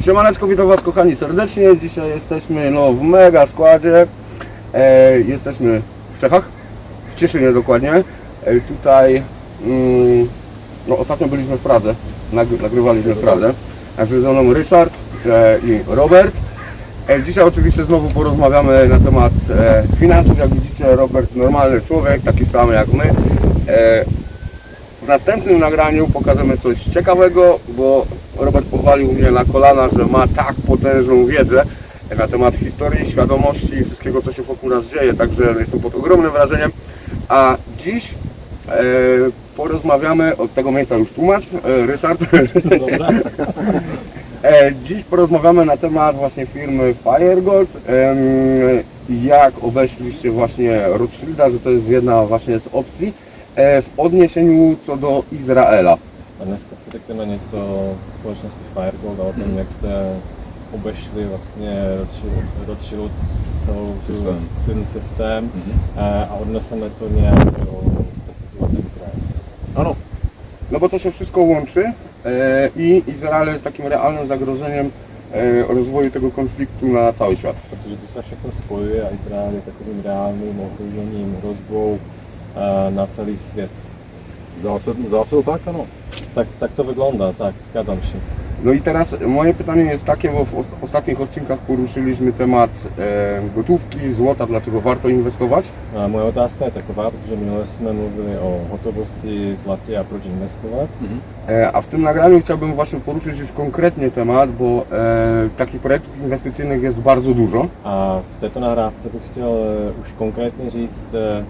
Siemaneczko, witam Was kochani serdecznie. Dzisiaj jesteśmy w mega składzie. Jesteśmy w Czechach, w Cieszynie dokładnie. Tutaj ostatnio byliśmy w Pradze, nagrywaliśmy w Pradze. Także ze mną Ryszard i Robert. Dzisiaj oczywiście znowu porozmawiamy na temat finansów. Jak widzicie, Robert normalny człowiek, taki sam jak my. W następnym nagraniu pokażemy coś ciekawego, bo Robert powalił mnie na kolana, że ma tak potężną wiedzę na temat historii, świadomości i wszystkiego, co się wokół nas dzieje, także jestem pod ogromnym wrażeniem. A dziś porozmawiamy, od tego miejsca już tłumacz, Ryszard. Dobra. Dziś porozmawiamy na temat właśnie firmy FireGold, jak obeszliście właśnie Rothschilda, że to jest jedna właśnie z opcji w odniesieniu co do Izraela. A dneska si řekneme něco o společnosti FireGold a o tom, jak jste obešli vlastně Rothschild ten systém a odneseme to nějak do té situace v Izraeli. Ano, no bo to się wszystko łączy i Izrael jest takim realnym zagrożeniem rozwoju tego konfliktu na cały świat. Protože to se všechno spojuje a Izrael je takovým reálným ohrožením rozvou na celý svět. Zdá se to tak, ano. Tak to wygląda, tak, zgadzam się. No i teraz moje pytanie jest takie, bo w ostatnich odcinkach poruszyliśmy temat gotówki, złota, dlaczego warto inwestować. A moje otázka je taková, protože minule jsme mluvili o hotovosti, zlatě a proč investovat. A w tym nagraniu chciałbym właśnie poruszyć już konkretnie temat, bo takich projektów inwestycyjnych jest bardzo dużo. A v této nahrávce bych chtěl už konkrétně říct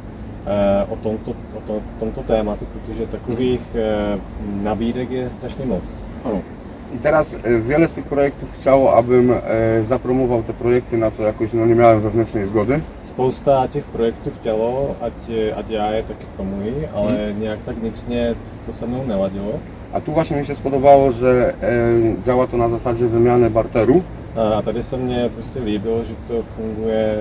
o tomto tématu, protože takových nabídek je strašně moc. Ano. I teraz wiele z tych projektów chciało, abym zapromował te projekty, na co jakoś nie miałem wewnętrznej zgody. Spousta těch projektů chtělo, ať já je taky promuji, ale nějak tak vnitřně to se mnou neladilo. A tu właśnie mi się spodobało, że działa to na zasadzie wymiany barteru. A tady se mně prostě líbilo, že to funguje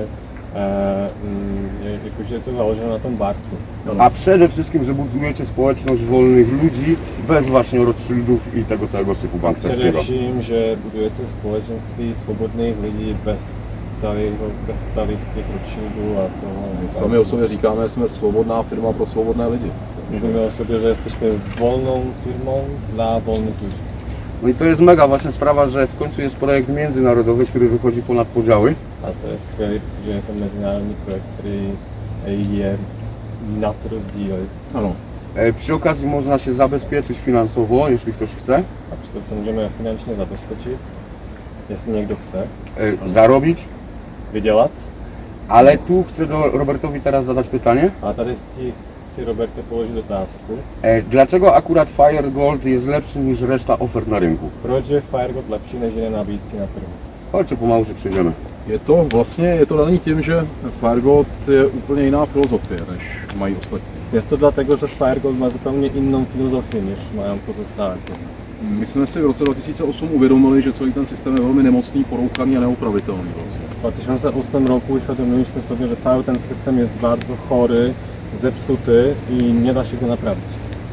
jakože je to založeno na tom bartru. A przede wszystkim, że budujecie społeczność wolnych ludzi bez właśnie Rothschildów i tego całego syfu banksterskiego. Především, že budujete společenství svobodných lidí bez celých těch Rothschildů a toho. My sami o sobě říkáme, že jsme svobodná firma pro svobodné lidi. Mówimy o sobie, że jesteśmy wolną firmą dla wolnych ludzi. No i to jest mega właśnie sprawa, że w końcu jest projekt międzynarodowy, który wychodzi ponad podziały. A to jest skvělé, protože je to mezinárodní projekt, který je nad rozdíly. Ano. Przy okazji można się zabezpieczyć finansowo, jeśli ktoś chce. A přitom se můžeme finančně zabezpečit, jestli někdo chce. Zarobić. Vydělat. Ale tu chcę Robertowi teraz zadać pytanie. A tady chci Roberte položit otázku. Dlaczego akurat FireGold jest lepszy niż reszta ofert na rynku? Proč je FireGold lepší než jiné nabídky na trhu? Chodźcie, pomału się przejdziemy. Je to daný tím, že FireGold je úplně jiná filozofie, než mají ostatní. Jest to dlatego, że FireGold ma zupełnie inną filozofię niż mają pozostałe firmy. My jsme si v roce 2008 uvědomili, že celý ten systém je velmi nemocný, porouchaný a neopravitelný vlastně. W 2008 roku uświadomiliśmy sobie, że cały ten system jest bardzo chory, zepsuty i nie da się go naprawić.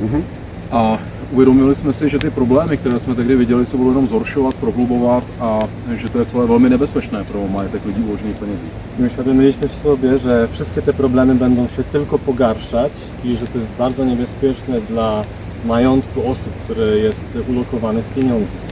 A uvědomili jsme si, že ty problémy, které jsme tehdy viděli, se budou jenom zhoršovat, prohlubovat a že to je celé velmi nebezpečné pro majetek lidí uložených penězích. I uświadomiliśmy sobie, że wszystkie te problemy będą się tylko pogarszać i że to jest bardzo niebezpieczne dla majątku osób, które jest ulokowane w pieniądzu.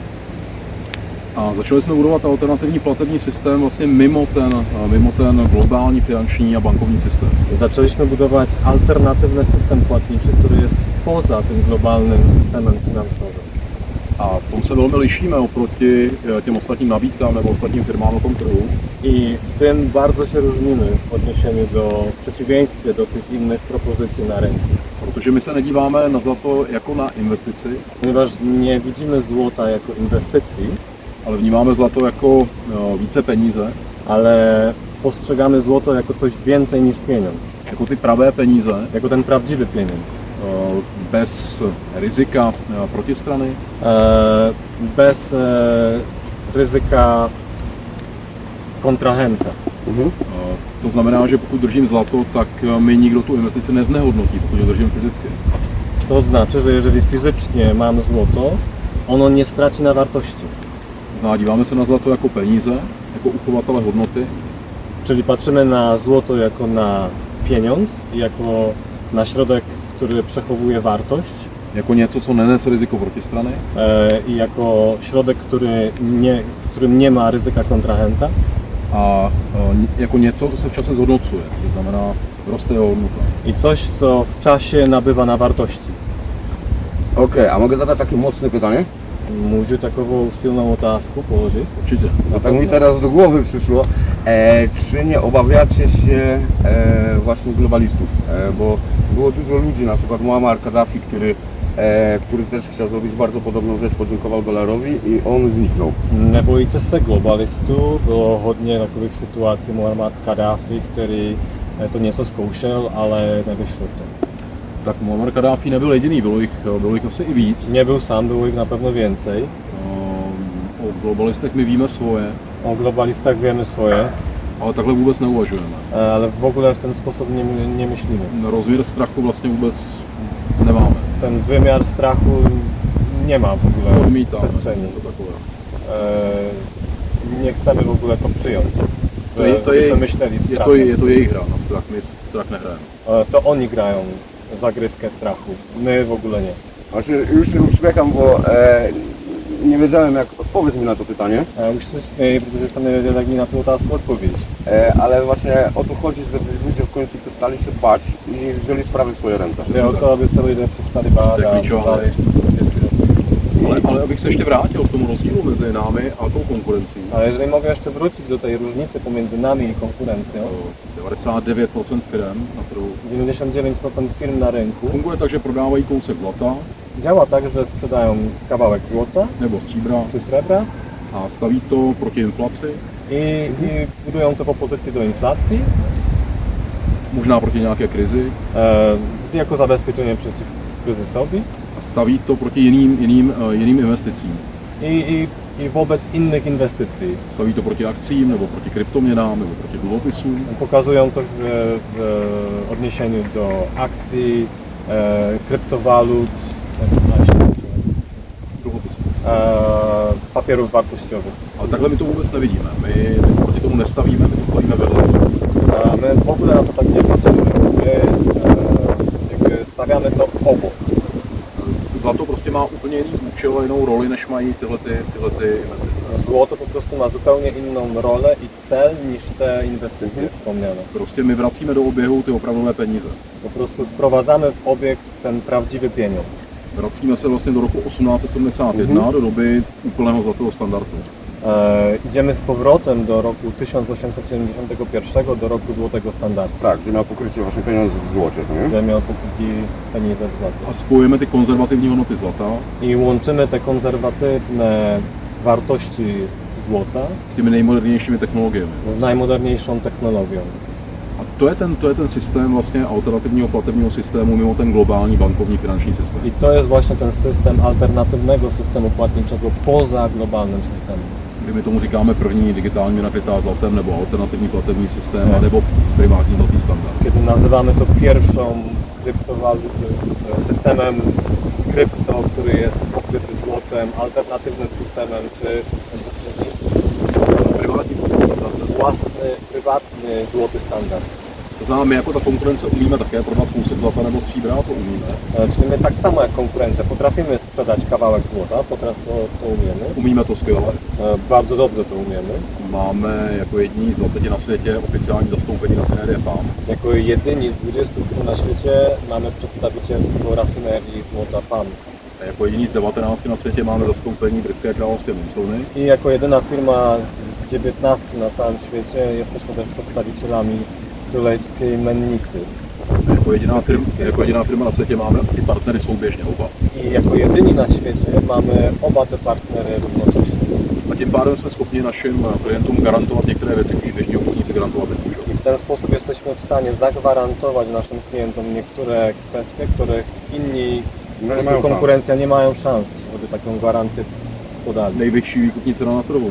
A začali jsme budovat alternativní platební systém vlastně mimo ten globální finanční a bankovní systém. Zaczęliśmy budować alternatywny system płatniczy, który jest poza tym globalnym systemem finansowym. A v tom se velmi lišíme oproti těm ostatním nabídkám nebo ostatním firmám na tom trhu. I w tym bardzo się różnimy w odniesieniu w przeciwieństwie do tych innych propozycji na rynku. Protože my se nedíváme na zlato jako na investici, Ponieważ nie widzimy złota jako inwestycji, ale vnímáme zlato jako více peníze, ale postrzegamy złoto jako coś więcej niż pieniądz. jako ty pravé peníze, Jako ten prawdziwy pieniądz. bez rizika protistrany, Bez ryzyka kontrahenta. To znamená, že pokud držím zlato, tak mi nikdo tu investici neznehodnotí, pokud ho držím fyzicky. To znaczy, że jeżeli fizycznie mam złoto, ono nie straci na wartości. Díváme se na zlato jako peníze, jako uchovatele hodnoty, Czyli patrzymy na złoto jako na pieniądz, jako na środek, który przechowuje wartość jako něco, co nenese riziko protistrany i jako środek, w którym nie ma ryzyka kontrahenta a jako něco, co se v čase zhodnocuje, to znamená roste jeho hodnota. i coś, co w czasie nabywa na wartości. Okej, a mogę zadać takie mocne pytanie? Můžu takovou silnou otázku položit? Určitě. No tak mi teraz do głowy przyszło, czy nie obawiacie się właśnie globalistów? Bo było dużo ludzi, na przykład Muammar Kaddafi, który też chciał zrobić bardzo podobną rzecz, podziękował dolarowi i on zniknął. Nebojíte se globalistů? Bylo hodně takových situací, Muammar Kaddafi, který to něco zkoušel, ale nevyšlo to. Tak Muammar Kaddáfi nebyl jediný, bylo jich asi i víc. Nebyl sám, bylo jich na pewno więcej. O globalistech my víme svoje, O globalistach wiemy swoje, ale takhle vůbec neuvažujeme. ale w ogóle w ten sposób nie myślimy. Rozměr strachu vlastně vůbec nemáme. Ten wymiar strachu nie ma w ogóle Odmítáme przestrzeni. něco takového. Nie chcemy w ogóle to przyjąć. To Żebyśmy myśleli w strachu. je to jejich hra na strach, my strach nehrajeme. To oni grają zagrywkę strachu, my w ogóle nie. Właśnie już się uśmiecham, bo nie wiedziałem jak odpowiedź mi na to pytanie, Už se směji, protože jsem nevěděl, jak mi na tu otázku odpovědět. ale właśnie o to chodzi, żeby ludzie w końcu przestali się bać i wzięli sprawy w swoje ręce. Jde o to, aby se lidé přestali bát To je a klíčová vzali věc. věci za sebe. Ale abych se ještě vrátil k tomu rozdílu mezi námi a tou konkurencí. Ale jeżeli mogę jeszcze wrócić do tej różnicy pomiędzy nami i konkurencją, 99% firm na trhu 99% firm na rynku funguje tak, že prodávají kousek zlata działa tak, że sprzedają kawałek złota nebo stříbra czy srebra a staví to proti inflaci, i budują to w opozycji do inflacji, možná proti nějaké krizi jako zabezpieczenie przeciw kryzysowi a staví to proti jiným investicím. i wobec innych inwestycji. Staví to proti akcím nebo proti kryptoměnám nebo proti dluhopisům. Pokazują to w odniesieniu do akcji, kryptowalut, Dluhopisů. papierów wartościowych. Ale takhle my to vůbec nevidíme. My proti tomu nestavíme, my to stavíme vedle. A my w ogóle na to tak nie patrzymy. My jakby stawiamy to obok. Zlato prostě má úplně jiný účel a jinou roli, než mají tyhle investice. Złoto po prostu ma zupełnie inną rolę i cel niż te inwestycje wspomniane. Prostě my vracíme do oběhu ty opravdové peníze. Po prostu wprowadzamy w obieg ten prawdziwy pieniądz. Vracíme se vlastně do roku 1871, do doby úplného zlatého standardu. Idziemy z powrotem do roku 1871, do roku złotego standardu. Tak, gdzie miał pokrycie właśnie pieniądze w złocie, nie? Gdzie miał pokrytí peníze w złocie. A spojujeme ty konzervativní hodnoty zlata I łączymy te konserwatywne wartości złota s těmi nejmodernějšími technologiemi. z najmoderniejszą technologią. A to je ten systém vlastně alternativního platebního systému mimo ten globální bankovní finanční systém. I to jest właśnie ten system alternatywnego systemu płatniczego poza globalnym systemem. Kdy my tomu říkáme první digitální měna krytá zlatem, nebo alternativní platební systém, nebo privátní zlatý standard. Kiedy nazywamy to pierwszą systemem krypto, który jest pokryty złotem, alternatywnym systemem, czy Privátní platební standard. własny, prywatny złoty standard. To znamená, my jako ta konkurence umíme také prodat kousek zlata nebo stříbra, to umíme. Czyli my tak samo jak konkurencja potrafimy sprzedać kawałek złota, to umiemy. Umíme to skvěle. Bardzo dobrze to umiemy. Máme jako jediní z 20 na světě oficiální zastoupení rafinérie PAM. Jako jedyni z 20 firm na świecie mamy przedstawicielstwo rafinerii złota PAM. A jako jediní z 19 na světě máme zastoupení britské královské mincelny. I jako jedyna firma z 19 na całym świecie jesteśmy też przedstawicielami królewskiej mennicy. Jako jediná firma na světě máme ty partnery souběžně oba. I jako jedyni na świecie mamy oba te partnery równocześnie. A tím pádem jsme schopni našim klientům garantovat některé věci, které běžní obchodníci garantovat nemůžou. I w ten sposób jesteśmy w stanie zagwarantować naszym klientom niektóre kwestie, których inni po prostu konkurencja nie mają szans, żeby taką gwarancję podali. Nejvyšší výkupní cena na trhu.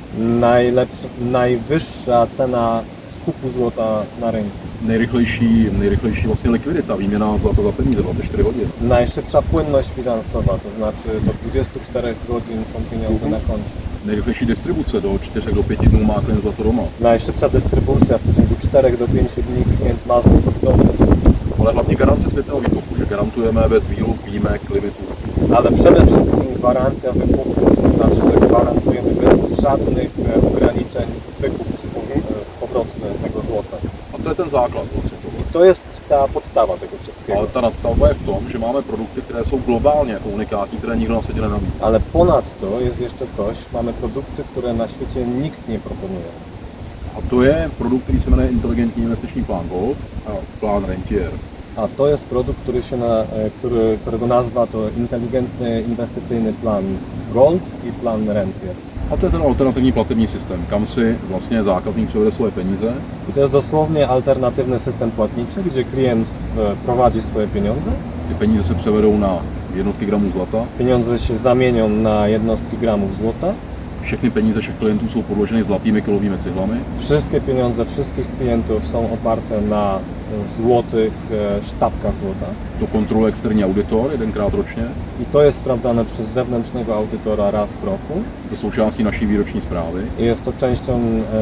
Najwyższa cena skupu złota na rynku. Nejrychlejší vlastně likvidita, výměna zlata za peníze, 24 hodin. Najszybsza płynność finansowa, to znaczy do 24 godzin są pieniądze na koncie. nejrychlejší distribuce, do 4 do 5 dnů má klient zlato doma. Najszybsza dystrybucja, w przeciągu 4 do 5 dni klient ma złoto w domu. Ale hlavně garance světného výkupu, že garantujeme bez výluk, výjimek, limitů. Ale przede wszystkim gwarancja wykupu, to znaczy, że gwarantujemy bez żadnych ograniczeń wykup powrotny tego złota. A to je ten základ vlastně toho. I to jest ta podstawa tego wszystkiego. Ale ta nadstavba je v tom, že máme produkty, které jsou globálně jako unikátní, které nikdo na světě nenabízí. Ale ponadto jest jeszcze coś, mamy produkty, które na świecie nikt nie proponuje. A to je produkt, který se jmenuje Inteligentní investiční plán Gold a plán Rentier. A to jest produkt, którego nazwa to inteligentny inwestycyjny plan Gold i plan Rentier. A to je ten alternativní platební systém, kam si vlastně zákazník převede svoje peníze. I to jest dosłownie alternatywny system płatniczy, gdzie klient prowadzi swoje pieniądze. Ty peníze se převedou na jednotky gramů zlata. Pieniądze się zamienią na jednostki gramów złota. Všechny peníze všech klientů jsou podloženy zlatými kilovými cihlami. Wszystkie pieniądze wszystkich klientów są oparte na złotych sztabkach złota. To kontroluje externí auditor jedenkrát ročně. I to jest sprawdzane przez zewnętrznego audytora raz w roku. To součástí naší výroční zprávy. I jest to częścią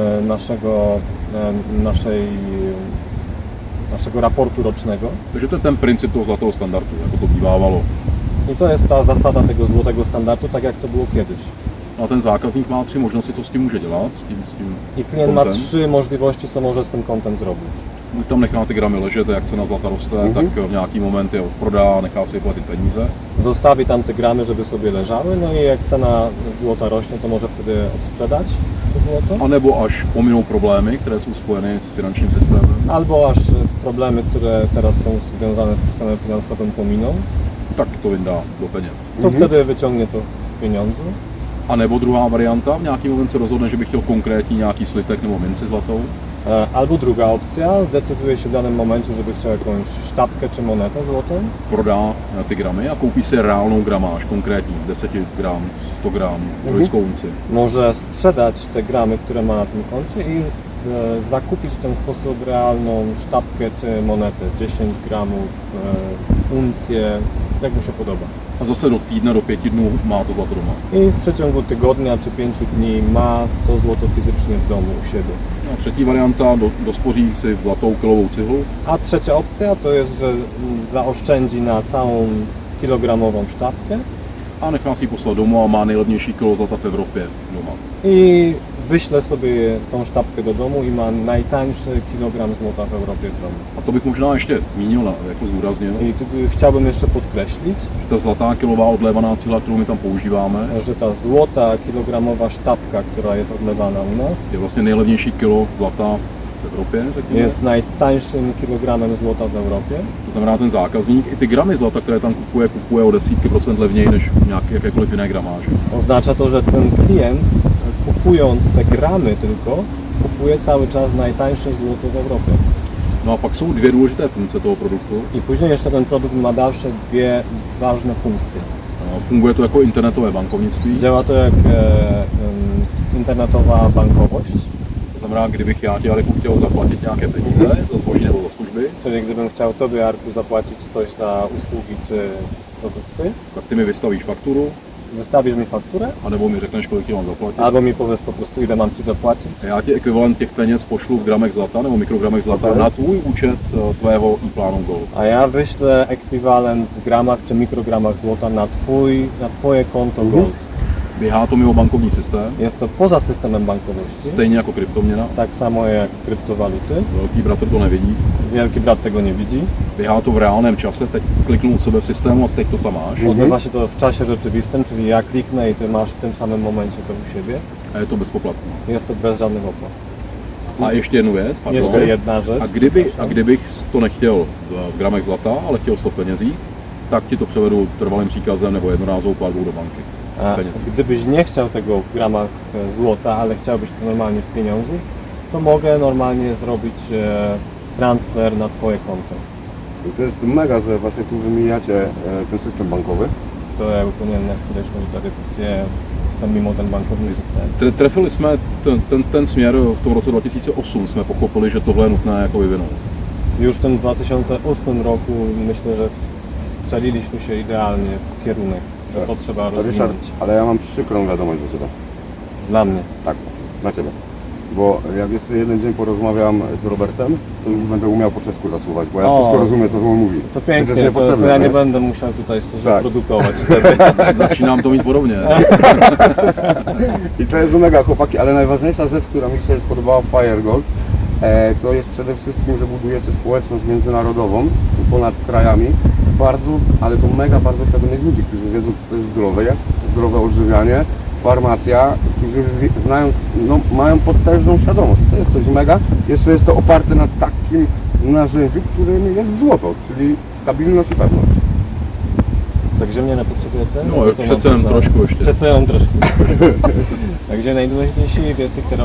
naszego raportu rocznego. Takže to je ten princip toho zlatého standardu, jako to bývávalo. I to jest ta zasada tego złotego standardu, tak jak to było kiedyś. No a ten zákazník má 3 možnosti, co s tím může dělat, s tím I klient ma kontem. 3 możliwości, co może z tym kontem zrobić. Buď tam nechá ty gramy ležet, jak cena zlata roste, tak v nějaký moment je odprodá, nechá si vyplatit peníze. Zostawi tam te gramy, żeby sobie leżały, no i jak cena złota rośnie, to może wtedy odsprzedać to złoto. A nebo až pominou problémy, které jsou spojeny s finančním systémem. Albo aż problemy, które teraz są związane z systemem finansowym pominą, Tak to vyndá do peněz. to wtedy wyciągnie to w pieniądzu. A nebo druhá varianta, v nějaký moment se rozhodne, že by chtěl konkrétní nějaký slitek nebo minci zlatou. Albo druga opcja, zdecyduje się w danym momencie, żeby chciał jakąś sztabkę czy monetę złotą. Prodá ty gramy a koupí si reálnou gramáž, konkrétní, 10 gram, 100 gram, trojskou unci. Może sprzedać te gramy, które ma na tym koncie i zakupić w ten sposób realną sztabkę czy monetę, 10 gramów, uncję, jak mu się podoba. A zase do týdne, do 5 dnů má to zlato doma. I w przeciągu tygodnia czy 5 dni ma to złoto fizycznie w domu u siebie. A třetí varianta, dospoří si zlatou kilovou cihlu. A trzecia opcja to jest, że zaoszczędzi na całą kilogramową sztabkę A nechá si ji poslat domů a má nejlevnější kilo zlata v Evropě doma. i wyśle sobie tą sztabkę do domu i ma najtańszy kilogram złota w Europie w domu. A to bych možná ještě zmínil, jako zúraznil, I tu chciałbym jeszcze podkreślić, že ta zlatá kilová odlévaná cihla, kterou my tam používáme, że ta złota kilogramowa sztabka, która jest odlewana u nas, je vlastně nejlevnější kilo zlata v Evropě, řekněme. jest najtańszym kilogramem złota w Europie. To znamená, ten zákazník i ty gramy zlata, které tam kupuje o desítky procent levněji než nějaké jakékoliv jiné gramáže. Oznacza to, że ten klient, kupując te gramy tylko, kupuje cały czas najtańsze złoto w Europie. No a pak jsou dvě důležité funkce toho produktu. I później jeszcze ten produkt ma dalsze dwie ważne funkcje. Funguje to jako internetové bankovnictví. Działa to jak internetowa bankowość, To znamená, kdybych já tě, Aleku, chtěl zaplatit nějaké peníze za zboží nebo za služby, czyli gdybym chciał Tobie, Arku, zapłacić coś za usługi czy produkty, tak ty mi vystavíš fakturu, wystawisz mi fakturę, anebo mi řekneš, kolik ti mám zaplatit. albo mi powiesz po prostu, ile mam Ci zapłacić. A já ti ekvivalent těch peněz pošlu v gramech zlata nebo mikrogramech zlata Ok. na tvůj účet tvého e-plánu Gold. A ja wyślę ekwiwalent w gramach czy mikrogramach złota na Twoje konto Gold. Běhá to mimo bankovní systém, Jest to poza systemem bankowości, stejně jako kryptoměna. tak samo jak kryptowaluty. Velký bratr to nevidí. Wielki brat tego nie widzi. Běhá to v reálném čase, teď kliknu u sebe v systému a teď to tam máš. Odbywa się to w czasie rzeczywistym, czyli ja kliknę i Ty masz w tym samym momencie to u siebie. A je to bezpoplatné. Jest to bez żadnych opłat. A ještě jednu věc, pardon. Jeszcze jedna rzecz. A kdybych to nechtěl v gramech zlata, ale chtěl to v penězích, tak ti to převedu trvalým příkazem nebo jednorázovou platbou do banky. A Peněz. gdybyś nie chciał tego w gramach złota, ale chciałbyś to normalnie w pieniądzu, to mogę normalnie zrobić transfer na Twoje konto. I to jest mega, że właśnie tu wymieniacie ten system bankowy. To je úplně neskutečné, že tady prostě jsme mimo ten bankovní systém. Trefili jsme ten směr v tom roce 2008, jsme pochopili, že tohle je nutné jako vyvinout. Już w tym 2008 roku myślę, że strzeliliśmy się idealnie w kierunek, że to trzeba Ryszard, rozwinąć. ale ja mam przykrą wiadomość do Ciebie. Dla mnie. Tak, na Ciebie. Bo jak jeszcze jeden dzień porozmawiam z Robertem, to już będę umiał po czesku zasuwać, bo ja O, wszystko rozumiem, to co on mówi. To Przecież pięknie, to niepotrzebne, ja nie nie? będę musiał tutaj coś Tak. produkować wtedy. Začínám to mít podobně. I to jest mega, chłopaki, ale najważniejsza rzecz, która mi się spodobała w Firegold, to jest przede wszystkim, że budujecie społeczność międzynarodową ponad krajami. Bardzo, ale to mega bardzo pewnych ludzi, którzy wiedzą, co to jest zdrowe odżywianie, farmacja, którzy znają, no, mają potężną świadomość. To jest coś mega. Jeszcze jest to oparte na takim narzędziu, którym jest złoto, czyli stabilność i pewność. Takže mě nepotřebujete? No, Nebo to přece mám jenom znát? trošku ještě. Přece jenom trošku. Takže nejdůležitější věc, kterou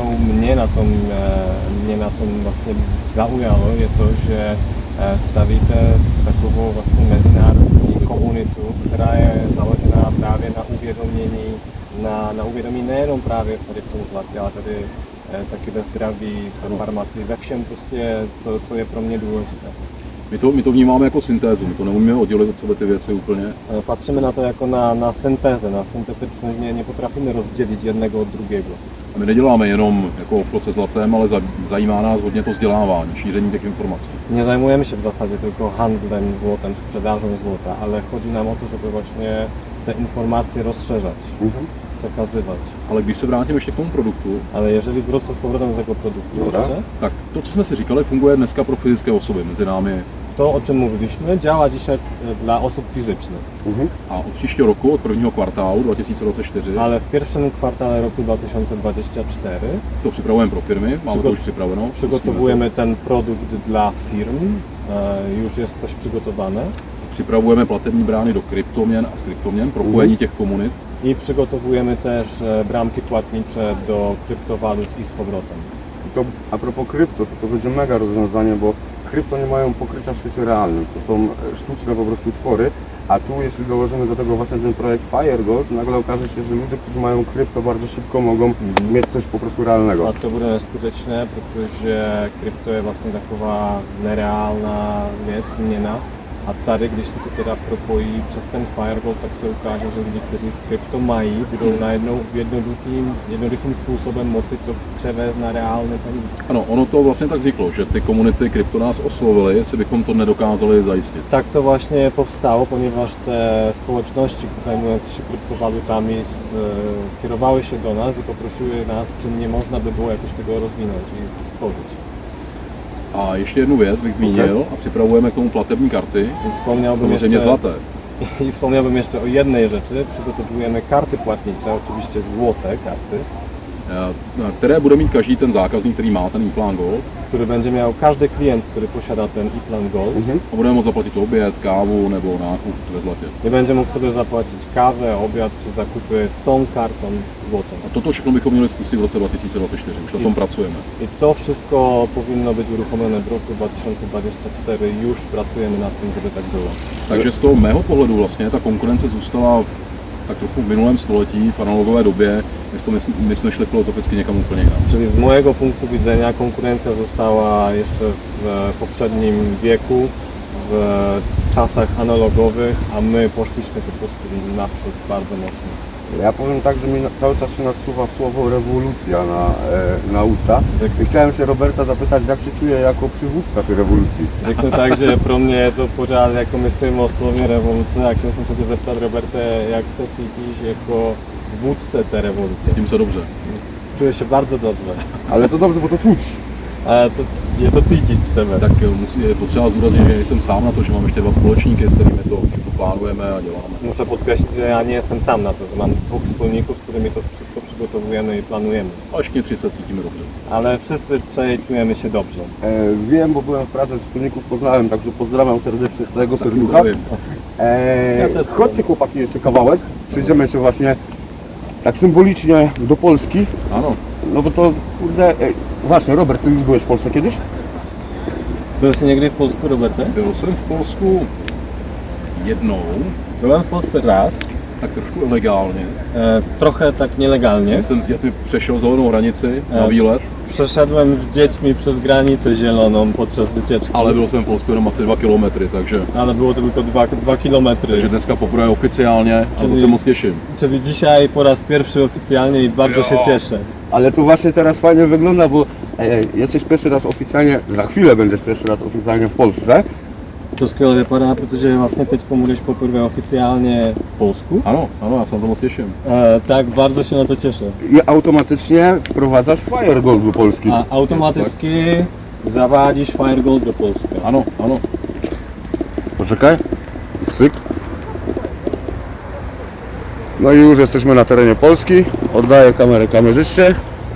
mě na tom vlastně zaujalo, je to, že stavíte takovou vlastně mezinárodní komunitu, která je založená právě na uvědomění, na uvědomí nejenom právě tady v tom zlatě, ale tady taky ve zdraví, v farmacii, ve všem prostě, co je pro mě důležité. My to vnímáme jako syntézu, my to neumíme oddělit od sebe ty věci úplně. Patrzymy na to jako na syntezę, na syntetyczność, nie potrafimy rozdzielić jednego od drugiego. A my neděláme jenom jako obchod se zlatem, ale zajímá nás hodně to vzdělávání, šíření těch informací. Nie zajmujemy się w zasadzie tylko handlem złotem, sprzedażą złota, ale chodzi nam o to, żeby właśnie te informacje rozszerzać, przekazywać. Ale když se vrátím ještě k tomu produktu, Ale jeżeli wrócę z powrotem do tego produktu Dobra. jeszcze, tak to, co jsme si říkali, funguje dneska pro fyzické osoby. Mezi námi to o czym mówiliśmy działa dzisiaj dla osób fizycznych, a od příštího roku, od prvního kvartálu 2024, ale w pierwszym kwartale roku 2024 to připravujeme pro firmy, máme to už připraveno. przygotowujemy ten produkt dla firm, już jest coś przygotowane. Připravujeme platební brány do kryptoměn a z kryptoměn, propojení těch komunit. I przygotowujemy też bramki płatnicze do kryptowalut i z powrotem. I to a propos krypto, to będzie mega rozwiązanie, bo krypto nie mają pokrycia w świecie realnym. To są sztuczne po prostu twory, a tu jeśli dołożymy do tego właśnie ten projekt Firegold, nagle okaże się, że ludzie, którzy mają krypto, bardzo szybko mogą mieć coś po prostu realnego. A to bude neskutečné, protože krypto je vlastně taková nereálná věc, měna. A tady, když se to teda propojí přes ten Firegold, tak se ukáže, že lidi, kteří krypto mají, budou najednou jednoduchým způsobem moci to převést na reálné peníze. Ano, ono to vlastně tak vzniklo, že ty komunity krypto nás oslovily, jestli bychom to nedokázali zajistit. Tak to właśnie powstało, ponieważ te społeczności zajmujące się kryptowalutami kierowały się do nas i poprosiły nas, czy nie można by było jakoś tego rozwinąć i stworzyć. A ještě jednu věc bych zmínil a připravujeme k tomu platební karty, I wspomniałbym samozřejmě jeszcze, zlaté. I wspomniałbym jeszcze o jednej rzeczy. Przygotowujemy karty płatnicze, oczywiście złote karty, které bude mít každý ten zákazník, který má ten e-plan Gold który będzie miał każdy klient, który posiada ten e-plan Gold. a bude moct zaplatit oběd, kávu nebo nákup ve zlatě. Nie będzie mógł sobie zapłacić kawę, obiad czy zakupy tą kartą złotą. A toto všechno bychom měli spustit v roce 2024, už na tom pracujeme. I to wszystko powinno być uruchomione w roku 2024. Już pracujemy nad tym, żeby tak było. Takže z toho mého pohledu vlastně ta konkurence zůstala tak trochu v minulém století, v analogové době, my jsme šli filozoficky někam úplně jinam. Czyli z mojego punktu widzenia konkurencja została jeszcze w poprzednim wieku, w czasach analogowych, a my poszliśmy po prostu naprzód bardzo mocno. Ja powiem tak, że mi cały czas się nasuwa słowo rewolucja na usta. I chciałem się Roberta zapytać, jak się czuje jako przywódca tej rewolucji. Řeknu tak, že pro mě je to pořád jako myslím o slově revoluce a chtěl jsem se tě zeptat, Roberte, jak se cítíš jako vůdce té revoluce? Tím se dobře. Czuję się bardzo dobrze. Ale to dobrze, bo to czuć. Ale je to cítit z tebe. Tak je potřeba zdůraznit, že nejsem sám na to, že mám ještě dva společníky, s kterými to plánujeme a děláme. Muszę podkreślić, że ja nie jestem sam na to, że mam dwóch wspólników, z którymi to wszystko przygotowujemy i planujemy. A všichni tři se cítíme dobře. Ale wszyscy trzej czujemy się dobrze. Wiem, bo byłem w Pradze, wspólników poznałem, także pozdrawiam serdecznie z całego serducha. Zdravím. Ja też Chodźcie chłopaki jeszcze kawałek, przyjdziemy się właśnie tak symbolicznie do Polski, Ano, no bo to kurde, właśnie Robert, ty już byłeś w Polsce kiedyś? Byl jsi někdy v Polsku, Roberte? byl jsem v Polsku jednou, Byłem w Polsce raz, tak trošku ilegálně. Trochę tak nielegalnie. Jsem s dětmi přešel zelenou hranici na výlet, Przeszedłem z dziećmi przez granicę zieloną podczas wycieczki, ale byl jsem v Polsku jenom asi 2 kilometry, takže było to tylko 2 kilometry. takže dneska poprvé oficiálně a to Czyli- se moc těším. Czyli dzisiaj po raz pierwszy oficjalnie i bardzo się cieszę. Ale tu właśnie teraz fajnie wygląda, bo jesteś pierwszy raz oficjalnie, za chwilę będziesz pierwszy raz oficjalnie w Polsce. To skvěle vypadá, protože vlastně teď budeš poprvé oficiálně v Polsku. Ano, ano, já se na to moc těším. Tak bardzo się na to cieszę. I automatycznie wprowadzasz Firegold do Polski. A automatycky zavádíš Firegold do Polska. Ano, ano. Poczekaj. Syk. No i już jesteśmy na terenie Polski. Oddaję kamerę kamerzyście.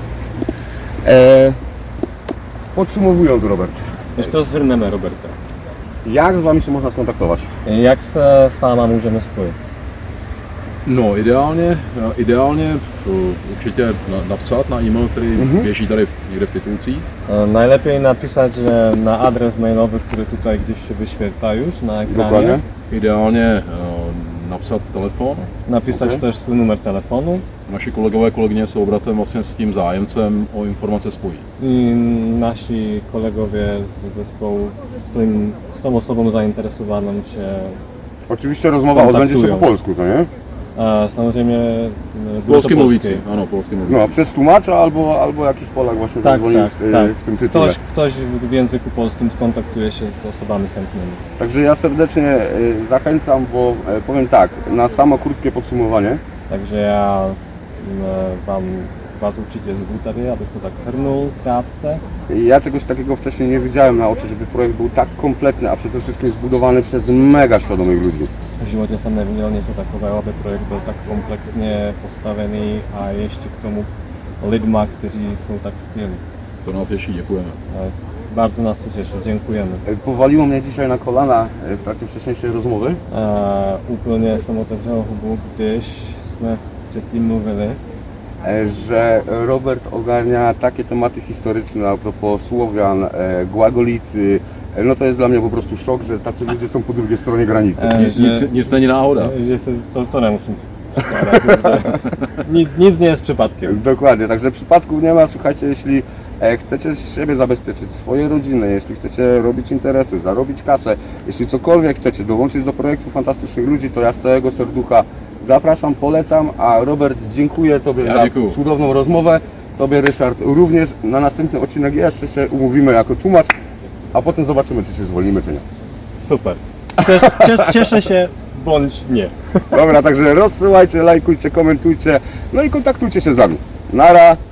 Podsumowując, Robert, Ještě to zhrneme, Roberta. jak z Wami się można skontaktować? Jak se s váma můžeme spojit? No, ideálně určitě napsat na e-mail, který běží tady někde v titulcích. Najlepiej napisać na adres mailowy, który tutaj gdzieś się wyświetla już na ekranie. Dokładnie. Ideálně napsat telefon. Napisać Okej. też swój numer telefonu Naši kolegové, kolegyně se obratem vlastně s tím zájemcem o informace spojí. i nasi kolegowie z zespołu z tą osobą zainteresowaną Cię Oczywiście rozmowa odbędzie się po Kontaktują. polsku, to nie? samozřejmě Polsky mluvící, ano, polsky mluvící. No, przez tłumacza albo jakiś Polak właśnie Tak, zadzwonił tak, tak. w tym tytule. Ktoś w języku polskim skontaktuje się z osobami chętnymi. Także ja serdecznie zachęcam, bo powiem tak, na samo krótkie podsumowanie. Takže já vás určitě zvu tady, abych to tak shrnul krátce. Ja czegoś takiego wcześniej nie widziałem na oczy, żeby projekt był tak kompletny, a przede wszystkim zbudowany przez mega świadomych ludzi. V životě jsem neviděl něco takového, aby projekt byl tak komplexně postavený a ještě k tomu lidma, kteří jsou tak skvělí. To nás těší, děkujeme. Bardzo nas to cieszy, dziękujemy. Powaliło mnie dzisiaj na kolana w trakcie wcześniejszej rozmowy. Úplně jsem otevřel hubu, když jsme předtím mluvili, Że Robert ogarnia takie tematy historyczne a propos Słowian, Głagolicy. No to jest dla mnie po prostu szok, że tacy ludzie są po drugiej stronie granicy. Nic není náhoda. že se, to nemusím si předkládat, nic nie jest przypadkiem. Dokładnie, także przypadków nie ma. Słuchajcie, jeśli chcecie z siebie zabezpieczyć swoje rodziny, jeśli chcecie robić interesy, zarobić kasę, jeśli cokolwiek chcecie dołączyć do projektu fantastycznych ludzi, to ja z całego serducha zapraszam, polecam, a Robert, dziękuję Tobie Ja za dziękuję. cudowną rozmowę. Tobie, Ryszard, również. Na następny odcinek jeszcze się umówimy jako tłumacz, a potem zobaczymy, czy się zwolnimy, czy nie. Super. Cieszę się, bądź nie. Dobra, także rozsyłajcie, lajkujcie, komentujcie, no i kontaktujcie się z nami. Nara!